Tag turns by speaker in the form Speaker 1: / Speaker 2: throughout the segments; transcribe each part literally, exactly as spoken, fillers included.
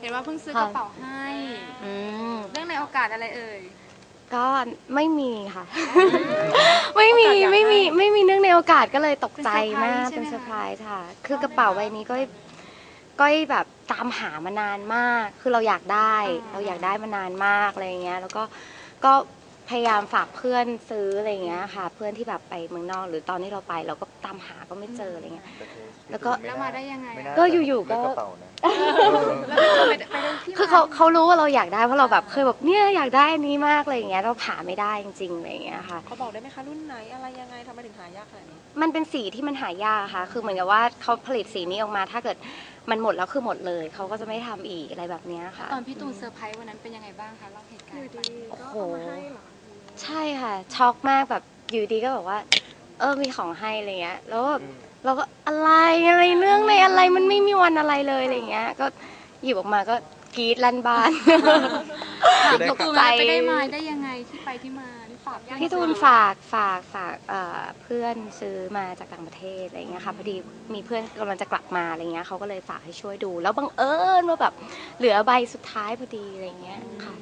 Speaker 1: เห็นว่าเพิ่งซื้อกระเป๋าให้เรื่องในโอกาสอะไรเอ่ย
Speaker 2: ก็ไม่มีค่ะ ไม่มีไม่มีไม่มีเนื่องในโอกาสก็เลยตกใจมากเป็นเซอร์ไพรส์ค่ะคือกระเป๋าใบนี้ก็ก็แบบตามหามานานมากคือเราอยากได้เราอยากได้มานานมากอะไรเงี้ยแล้วก็ก็พยายามฝากเพื่อนซื้ออะไรเงี้ยค่ะเพื่อนที่แบบไปเมืองนอกหรือตอนที่เราไปเราก็ตามหาก็ไม่เจออะไรเงี้ยแล้วก็
Speaker 1: แล้วมาได้ยังไง
Speaker 2: ก็อยู่ๆก็
Speaker 1: คื
Speaker 2: คือเขาเขารู้ว่าเราอยากได้เพราะเราแบบเคยแบบเนี่ยอยากได้อันนี้มากอะไรอย่างเงี้ยเราหาไม่ได้จริงๆอะไรอย่างเงี้ยค่ะ
Speaker 3: เขาบอกได้ไหมคะรุ่นไหนอะไรยังไงทำไมถึงหายากขนาดนี้
Speaker 2: มันเป็นสีที่มันหายากค่ะคือเหมือนกับว่าเขาผลิตสีนี้ออกมาถ้าเกิดมันหมดแล้วคือหมดเลยเขาก็จะไม่ทำอีกอะไรแบบนี้ค่ะ
Speaker 1: ตอนพี่ตูนเซอร์ไพรส์วันนั้นเป็นยังไงบ้างคะเล่าเหตุการณ์
Speaker 2: โอ้โหใช่ค่ะช็อกมากแบบอยู่ดีก็บอกว่าเออมีของให้อะไรเงี้ยแล้วแบบเราก็อะไรอะไรเรื่องในอะไรมันไม่มีวันอะไรเลยอะไรเงี้ยก็หยิบออกมาก็กรี๊ดลั่นบ้าน
Speaker 1: ตกใจไปได้มาได้ยังไงที่ไปที่มาที่ฝาก
Speaker 2: พี่ตูนฝากฝากฝากเพื่อนซื้อมาจากต่างประเทศอะไรเงี้ยค่ะพอดีมีเพื่อนกำลังจะกลับมาอะไรเงี้ยเขาก็เลยฝากให้ช่วยดูแล้วบังเอิญว่าแบบเหลือใบสุดท้ายพอดีอะไรเงี้ยค่ะ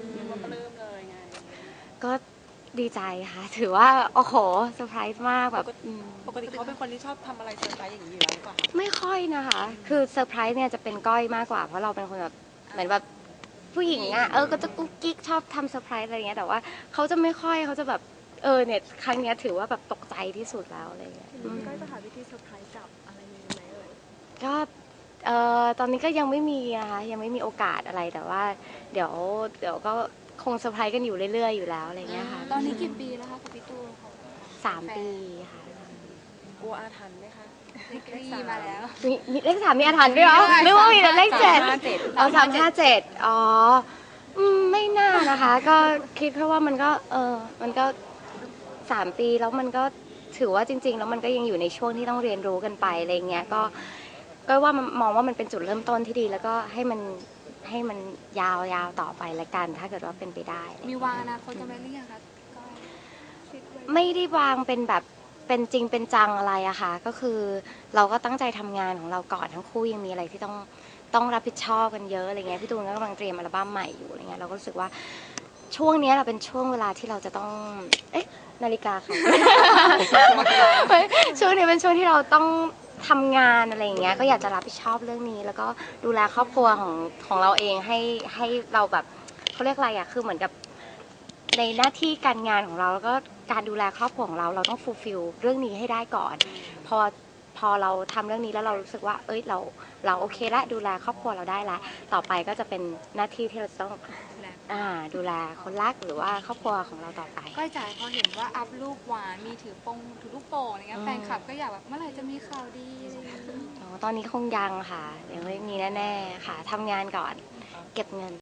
Speaker 2: ก็ดีใจค่ะถือว่าโอ้โหเซอร์ไพรส์มากแบบ
Speaker 3: ปกติเขาเป็นคนที่ชอบทำอะไรเซอร์ไพรส์อย่างนี้อยู่แล้วหรือเปล่า
Speaker 2: ไม่ค่อยนะคะคือเซอร์ไพรส์เนี่ยจะเป็นก้อยมากกว่าเพราะเราเป็นคนแบบเหมือนแบบผู้หญิงอ่ะเออก็จะกุ๊กกิ๊กชอบทำเซอร์ไพรส์อะไรเงี้ยแต่ว่าเขาจะไม่ค่อยเขาจะแบบเออเนี่ยครั้งนี้ถือว่าแบบตกใจที่สุดแล้วอะไรเงี้ย
Speaker 3: ก้อยจะหาวิธีเซอร์ไพรส์กับอะไรนี้ไหมเอ่ย
Speaker 2: ก็เอ่อตอนนี้ก็ยังไม่มีนะคะยังไม่มีโอกาสอะไรแต่ว่าเดี๋ยวเดี๋ยวก็คงเซอร์ไพรส์กันอยู่เรื่อยๆอยู่แล้วอะไรเงี้ยค่ะ
Speaker 1: ตอนนี้กี่ปีแล้วคะกับพี่ตูน
Speaker 2: สามปีค่ะ
Speaker 3: กลัวอาถรรพ์ไหมคะ
Speaker 1: เลขสี่มาแล้ว
Speaker 2: มีเลขสามมีอาถรรพ์ด้วยเหรอหรือว่ามีแต่เลขเจ็ดเอาสามห้าเจ็ดอ๋อไม่น่านะคะก็คิดแค่ว่ามันก็เออมันก็สามปีแล้วมันก็ถือว่าจริงๆแล้วมันก็ยังอยู่ในช่วงที่ต้องเรียนรู้กันไปอะไรเงี้ยก็ก็ว่ามองว่ามันเป็นจุดเริ่มต้นที่ดีแล้วก็ให้มันให้มันยาวๆต่อไปละกันถ้าเกิดว่าเป็นไปได้
Speaker 1: มีวางอนาคตกันไหมหรือยังคะ
Speaker 2: ไม่ได้วางเป็นแบบเป็นจริงเป็นจังอะไรอะค่ะก็คือเราก็ตั้งใจทำงานของเราก่อนทั้งคู่ยังมีอะไรที่ต้องต้องรับผิดชอบกันเยอะอะไรเงี้ยพี่ตูนก็กำลังเตรียมอัลบั้มใหม่อยู่อะไรเงี้ยเราก็รู้สึกว่าช่วงนี้เราเป็นช่วงเวลาที่เราจะต้องเอ๊ะนาฬิกาค่ะช่วงนี้เป็นช่วงที่เราต้องทำงานอะไรอย่างเงี้ยก็อยากจะรับผิดชอบเรื่องนี้แล้วก็ดูแลครอบครัวของของเราเองให้ให้เราแบบเขาเรียกอะไรอะคือเหมือนกับในหน้าที่การงานของเราแล้วก็การดูแลครอบครัวของเราเราต้องฟูลฟิลเรื่องนี้ให้ได้ก่อนพอพอเราทำเรื่องนี้แล้วเรารู้สึกว่าเอ้ยเราเราโอเคละดูแลครอบครัวเราได้ละต่อไปก็จะเป็นหน้าที่ที่เราต้องอ่าดูแลคนรักหรือว่าครอบครัวของเราต่อไป
Speaker 1: ก้อยจ๋าพอเห็นว่าอัพรูปหวานมีถือปงถือลูกโป่งอะไรเงี้ยแฟนคลับก็อยากแบบเมื่อไหร่จะมีข่าวดีอะไรอย่างเงี้ย
Speaker 2: ตอนนี้คงยังค่ะยังไม่มีแน่ๆค่ะทำงานก่อนเก็บเงิน